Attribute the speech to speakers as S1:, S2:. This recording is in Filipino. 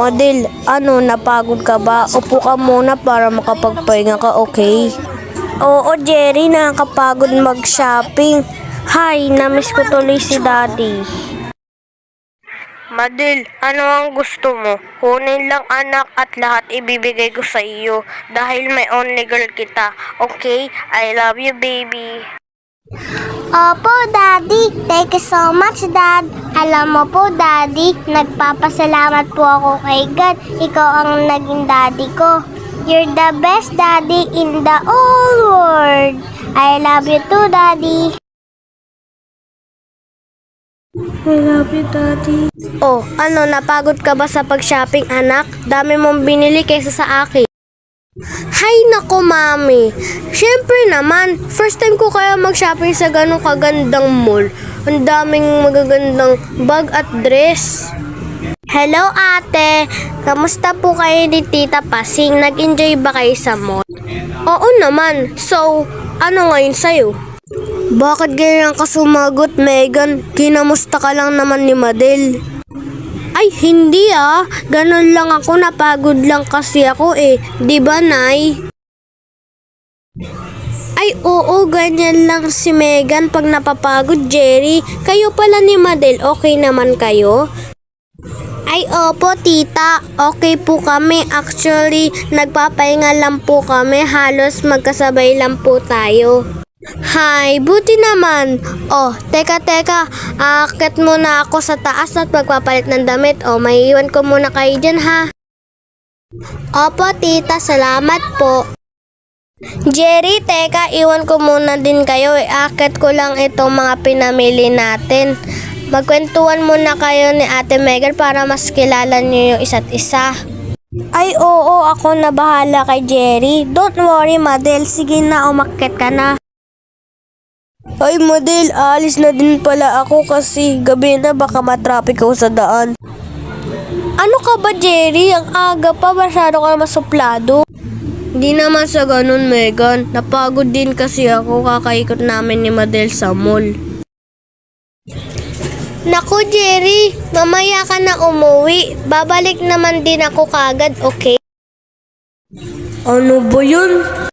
S1: Madel, napagod ka ba? Upo ka muna para makapagpahinga ka, okay? Oo, Jerry, nakakapagod mag-shopping. Hay, namiss ko tuloy si Daddy. Madel, ano ang gusto mo? Kunin lang anak at lahat ibibigay ko sa iyo dahil may only girl kita. Okay? I love you, baby.
S2: Opo, Daddy. Thank you so much, Dad. Alam mo po, Daddy, nagpapasalamat po ako kay God. Ikaw ang naging daddy ko. You're the best daddy in the whole world. I love you too, Daddy.
S1: I love you, Daddy. Oh, napagod ka ba sa pag-shopping, anak? Dami mong binili kaysa sa akin. Hay nako, Mami. Siyempre naman, first time ko kaya mag-shopping sa ganong kagandang mall. Ang daming magagandang bag at dress. Hello, ate. Kamusta po kayo ni Tita Pasing? Nag-enjoy ba kayo sa mall? Oo naman. So, ano ngayon sa'yo? Bakit ganyan ka sumagot, Megan? Kinamusta ka lang naman ni Madel. Ay, hindi Ganon lang ako, napagod lang kasi ako eh. Di ba, Nay? Ay, oo, ganyan lang si Megan pag napapagod, Jerry. Kayo pala ni Madel, okay naman kayo? Ay, opo, tita. Okay po kami. Actually, nagpapahinga lang po kami. Halos magkasabay lang po tayo. Hay, buti naman. Oh, teka. Aakyat muna ako sa taas at magpapalit ng damit. Oh, maiiwan ko muna kayo dyan, ha? Opo, tita. Salamat po. Jerry, teka. Iwan ko muna din kayo. Aakyat ko lang itong mga pinamili natin. Magkwentuhan muna kayo ni Ate Megan para mas kilala niyo yung isa't isa. Ay, oo. Ako na bahala kay Jerry. Don't worry, Madel. Sige na, umakyat ka na. Ay, Madel, aalis na din pala ako kasi gabi na baka matraffic ako sa daan. Ano ka ba, Jerry? Ang aga pa, masyado ka masuplado. Hindi naman sa ganun, Megan. Napagod din kasi ako kakaikot namin ni Madel sa mall. Naku, Jerry, mamaya ka na umuwi. Babalik naman din ako kagad, okay? Ano ba yun?